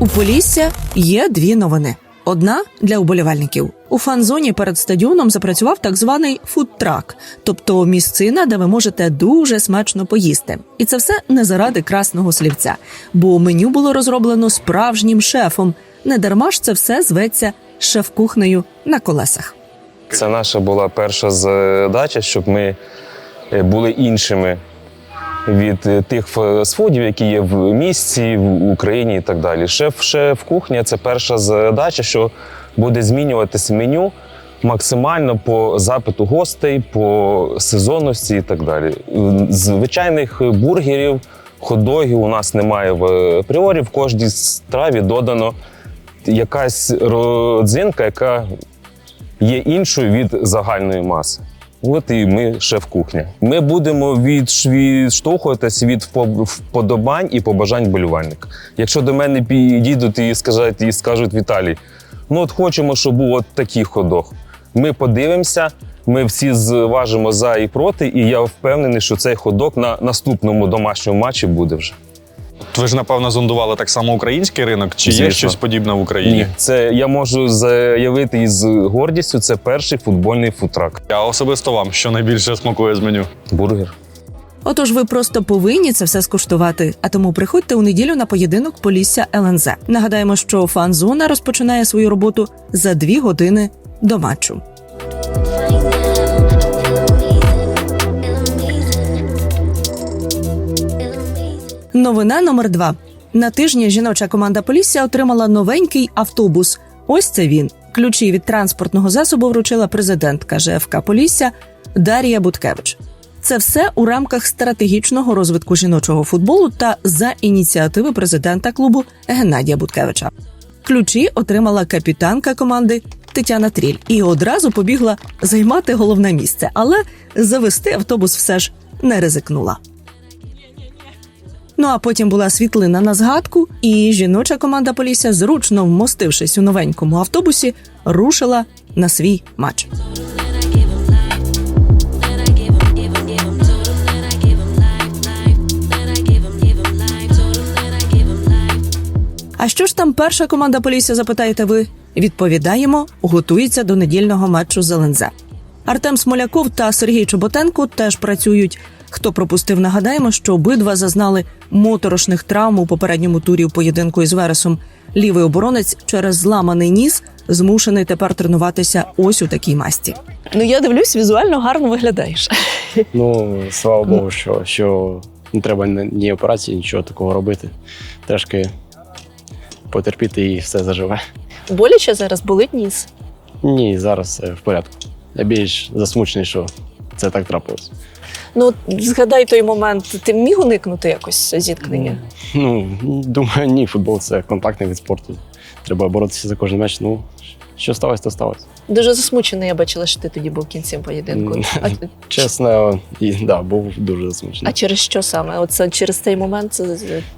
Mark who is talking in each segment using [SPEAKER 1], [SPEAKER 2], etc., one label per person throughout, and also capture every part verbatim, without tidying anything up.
[SPEAKER 1] У Полісся є дві новини. Одна – для уболівальників. У фан-зоні перед стадіоном запрацював так званий фудтрак, тобто місцина, де ви можете дуже смачно поїсти. І це все не заради красного слівця, бо меню було розроблено справжнім шефом. Не дарма ж це все зветься шеф-кухнею на колесах.
[SPEAKER 2] Це наша була перша задача, щоб ми були іншими від тих фастфудів, які є в місті, в Україні і так далі. Шеф-шеф-кухня – це перша задача, що буде змінюватися меню максимально по запиту гостей, по сезонності і так далі. Звичайних бургерів, хот-догів у нас немає в апріорі. В кожній страві додано якась родзинка, яка є іншою від загальної маси. От і ми шеф-кухня. Ми будемо відштовхуватися від вподобань і побажань вболівальника. Якщо до мене підійдуть і скажуть, і скажуть: Віталій, ну от хочемо, щоб був от такий хот-дог. Ми подивимося, ми всі зважимо за і проти, і я впевнений, що цей хот-дог на наступному домашньому матчі буде вже.
[SPEAKER 3] Ви ж, напевно, зондували так само український ринок? Чи
[SPEAKER 2] Звісно.
[SPEAKER 3] є щось подібне в Україні?
[SPEAKER 2] Ні, це я можу заявити із гордістю, це перший футбольний фудтрак.
[SPEAKER 3] А особисто вам, що найбільше смакує з меню?
[SPEAKER 2] Бургер.
[SPEAKER 1] Отож, ви просто повинні це все скуштувати, а тому приходьте у неділю на поєдинок Полісся ел ен зет. Нагадаємо, що фан-зона розпочинає свою роботу за дві години до матчу. Новина номер два. На тижні жіноча команда Полісся отримала новенький автобус. Ось це він. Ключі від транспортного засобу вручила президентка же еф ка Полісся Дар'я Буткевич. Це все у рамках стратегічного розвитку жіночого футболу та за ініціативи президента клубу Геннадія Буткевича. Ключі отримала капітанка команди Тетяна Тріль і одразу побігла займати головне місце, але завести автобус все ж не ризикнула. Ну а потім була світлина на згадку, і жіноча команда Полісся, зручно вмостившись у новенькому автобусі, рушила на свій матч. А що ж там перша команда Полісся, запитаєте ви? Відповідаємо, готується до недільного матчу з ел ен зет. Артем Смоляков та Сергій Чоботенко теж працюють. Хто пропустив, нагадаємо, що обидва зазнали моторошних травм у попередньому турі у поєдинку із Вересом. Лівий оборонець через зламаний ніс змушений тепер тренуватися ось у такій масті.
[SPEAKER 4] Ну, я дивлюсь, візуально гарно виглядаєш.
[SPEAKER 5] Ну, слава Богу, що, що не треба ні операції, нічого такого робити. Трошки потерпіти і все заживе.
[SPEAKER 4] Боляче зараз, болить ніс?
[SPEAKER 5] Ні, зараз все в порядку. Я більш засмучений, що це так трапилось.
[SPEAKER 4] Ну, згадай той момент, ти міг уникнути якось зіткнення?
[SPEAKER 5] Ну, думаю, ні, футбол – це контактний вид спорту. Треба боротися за кожен м'яч. Ну, що сталося, то сталося.
[SPEAKER 4] Дуже засмучений, я бачила, що ти тоді був кінцем поєдинку. А,
[SPEAKER 5] Чесно, і, да, був дуже засмучений.
[SPEAKER 4] а через що саме? Оце через цей момент? Це...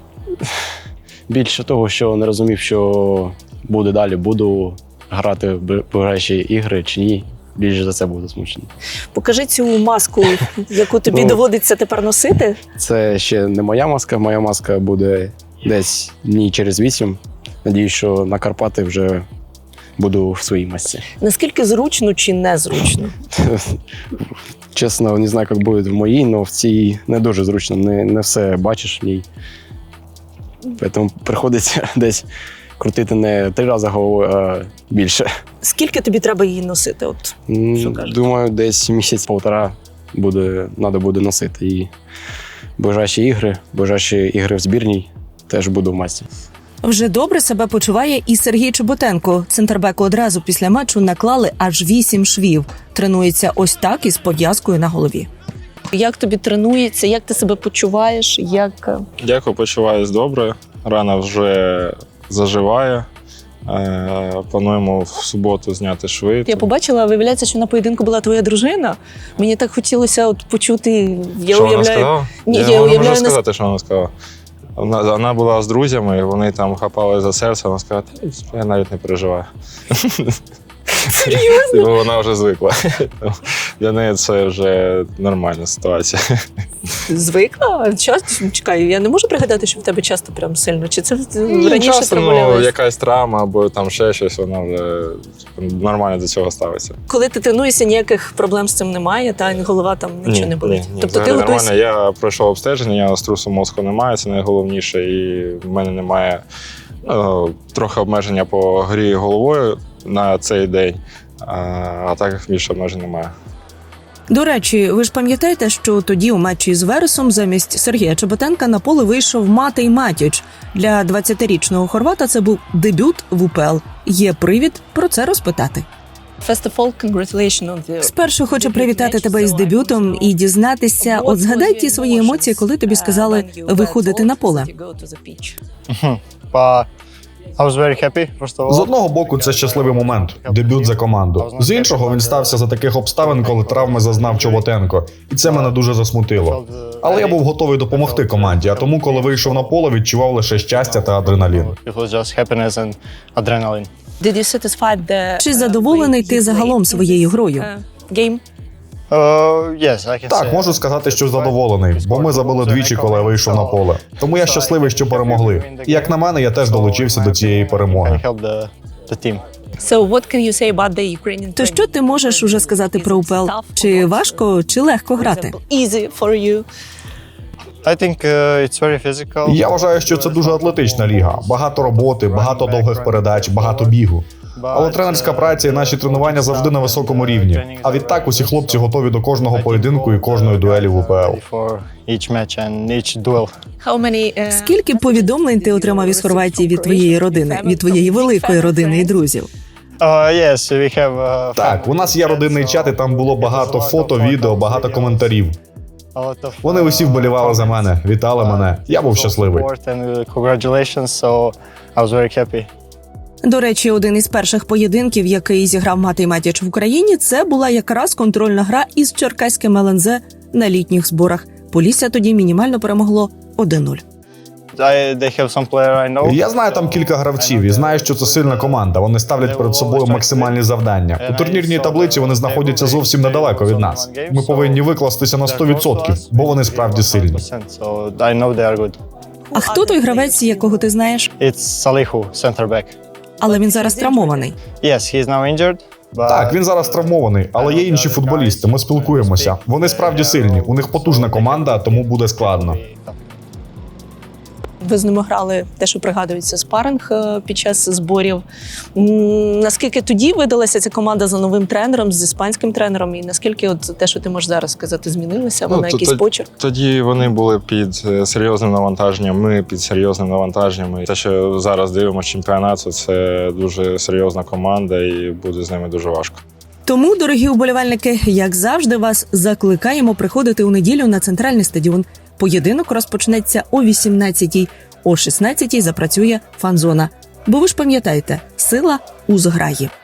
[SPEAKER 5] Більше того, що не розумів, що буде далі, буду грати в ближайші ігри чи ні. Більше за це був засмучений.
[SPEAKER 4] Покажи цю маску, яку тобі
[SPEAKER 5] Ну,
[SPEAKER 4] доводиться тепер носити.
[SPEAKER 5] Це ще не моя маска. Моя маска буде десь дні через вісім. Надіюсь, що на Карпати вже буду в своїй масці.
[SPEAKER 4] Наскільки зручно чи незручно?
[SPEAKER 5] Чесно, не знаю, як буде в моїй, але в цій не дуже зручно. Не, не все бачиш в ній. Тому приходиться десь крутити не три рази головою, а більше.
[SPEAKER 4] Скільки тобі треба її носити? От, що кажеш?
[SPEAKER 5] Думаю, десь місяць-півтора буде, треба буде носити. І ближайші ігри, ближайші ігри в збірній теж буду в масці.
[SPEAKER 1] Вже добре себе почуває і Сергій Чоботенко. Центрбеку одразу після матчу наклали аж вісім швів. Тренується ось так із пов'язкою на голові.
[SPEAKER 4] Як тобі тренується, як ти себе почуваєш? Як...
[SPEAKER 6] Дякую, почуваюсь добре. Рана вже заживає. Е, плануємо в суботу зняти шви.
[SPEAKER 4] Я побачила, виявляється, що на поєдинку була твоя дружина. Мені так хотілося от почути, я
[SPEAKER 6] що
[SPEAKER 4] уявляю...
[SPEAKER 6] вона сказала?
[SPEAKER 4] Ні,
[SPEAKER 6] я
[SPEAKER 4] я
[SPEAKER 6] не
[SPEAKER 4] уявляю,
[SPEAKER 6] можу сказати, що вона сказала. Вона, вона була з друзями, вони там хапали за серце, вона сказала: я навіть не переживаю. Серйозно? Вона вже звикла. Для неї це вже нормальна ситуація.
[SPEAKER 4] Звикла? Часто? Чекай, я не можу пригадати, що в тебе часто прям сильно. Чи це
[SPEAKER 6] Ну,
[SPEAKER 4] раніше
[SPEAKER 6] часто, ну,
[SPEAKER 4] травмувалась?
[SPEAKER 6] якась травма або там ще щось, вона вже нормально до цього ставиться.
[SPEAKER 4] Коли ти тренуєшся, ніяких проблем з цим немає, та голова там нічого не болить.
[SPEAKER 6] Ні, ні,
[SPEAKER 4] тобто ти
[SPEAKER 6] взагалі
[SPEAKER 4] готуєшся.
[SPEAKER 6] нормально. Я пройшов обстеження, я струсу мозку немає, це найголовніше, і в мене немає ну, трохи обмеження по грі головою на цей день, а, а так більше обмежень немає.
[SPEAKER 1] До речі, ви ж пам'ятаєте, що тоді у матчі з Вересом замість Сергія Чеботенка на поле вийшов Матей Матіч. Для двадцятирічного хорвата це був дебют в УПЛ. Є привід про це розпитати.
[SPEAKER 4] First of all, congratulations on the...
[SPEAKER 1] Спершу хочу привітати тебе із дебютом і дізнатися, от згадай ті свої емоції, коли тобі сказали виходити на поле.
[SPEAKER 7] But I was very happy, first of all.
[SPEAKER 3] З одного боку, це щасливий момент, дебют за команду. З іншого, він стався за таких обставин, коли травми зазнав Чоботенко. І це мене дуже засмутило. Але я був готовий допомогти команді, а тому, коли вийшов на поле, відчував лише щастя та адреналін.
[SPEAKER 7] It was just happiness and adrenaline.
[SPEAKER 4] Did you satisfy the...
[SPEAKER 1] Чи задоволений ти загалом своєю грою?
[SPEAKER 4] Game?
[SPEAKER 7] Uh, yes, I can
[SPEAKER 3] Так,
[SPEAKER 7] say.
[SPEAKER 3] можу сказати, що задоволений, бо ми забили двічі, коли я вийшов на поле. Тому я щасливий, що перемогли. І як на мене, я теж долучився до цієї перемоги.
[SPEAKER 7] I helped the, the team.
[SPEAKER 4] So what can you say about the Ukrainian
[SPEAKER 1] То що ти можеш уже сказати про УПЛ? Чи важко, чи легко грати?
[SPEAKER 4] Easy for you.
[SPEAKER 7] I think uh, it's very physical.
[SPEAKER 3] Я вважаю, що це дуже атлетична ліга. Багато роботи, багато довгих передач, багато бігу. Але тренерська праця і наші тренування завжди на високому рівні. А відтак усі хлопці готові до кожного поєдинку і кожної дуелі в УПЛ.
[SPEAKER 7] For each match and each duel.
[SPEAKER 4] How many, uh,
[SPEAKER 1] Скільки повідомлень ти отримав із Хорватії від твоєї родини, від твоєї великої родини і друзів?
[SPEAKER 7] Uh, yes, we have. Uh,
[SPEAKER 3] Так, у нас є родинний чат, і там було багато фото, відео, багато коментарів.
[SPEAKER 7] a lot of,
[SPEAKER 3] Вони усі вболівали за мене, вітали мене. Я був щасливий.
[SPEAKER 7] support and, uh, congratulations, so I was very happy.
[SPEAKER 1] До речі, один із перших поєдинків, який зіграв Матей Матіч в Україні, це була якраз контрольна гра із черкаським ел ен зет на літніх зборах. Полісся тоді мінімально перемогло один нуль.
[SPEAKER 7] I, they have some player I know.
[SPEAKER 3] Я знаю там кілька гравців і знаю, що це сильна команда. Вони ставлять перед собою максимальні завдання. У турнірній таблиці вони знаходяться зовсім недалеко від нас. Ми повинні викластися на сто відсотків, бо вони справді сильні.
[SPEAKER 7] So I know they are good.
[SPEAKER 1] А хто той гравець, якого ти знаєш?
[SPEAKER 7] It's Salihu, center back.
[SPEAKER 1] Але він зараз травмований.
[SPEAKER 7] Yes, he's now injured. But
[SPEAKER 3] Так, він зараз травмований, але є інші футболісти. Ми спілкуємося. Вони справді сильні. У них потужна команда, тому буде складно.
[SPEAKER 4] ви з ними грали те, що пригадується, спаринг е, під час зборів. М, Наскільки тоді видалася ця команда за новим тренером, з іспанським тренером, і наскільки от те, що ти можеш зараз сказати, змінилося? Вона
[SPEAKER 6] Ну, то-
[SPEAKER 4] якийсь
[SPEAKER 6] то-
[SPEAKER 4] почерк?
[SPEAKER 6] Тоді вони були під е, серйозним навантаженням, ми під серйозним навантаженням. І те, що зараз дивимося чемпіонату, це дуже серйозна команда і буде з ними дуже важко.
[SPEAKER 1] Тому, дорогі уболівальники, як завжди, вас закликаємо приходити у неділю на центральний стадіон. Поєдинок розпочнеться о вісімнадцятій, о шістнадцятій запрацює фан-зона. Бо ви ж пам'ятаєте, сила у зграї.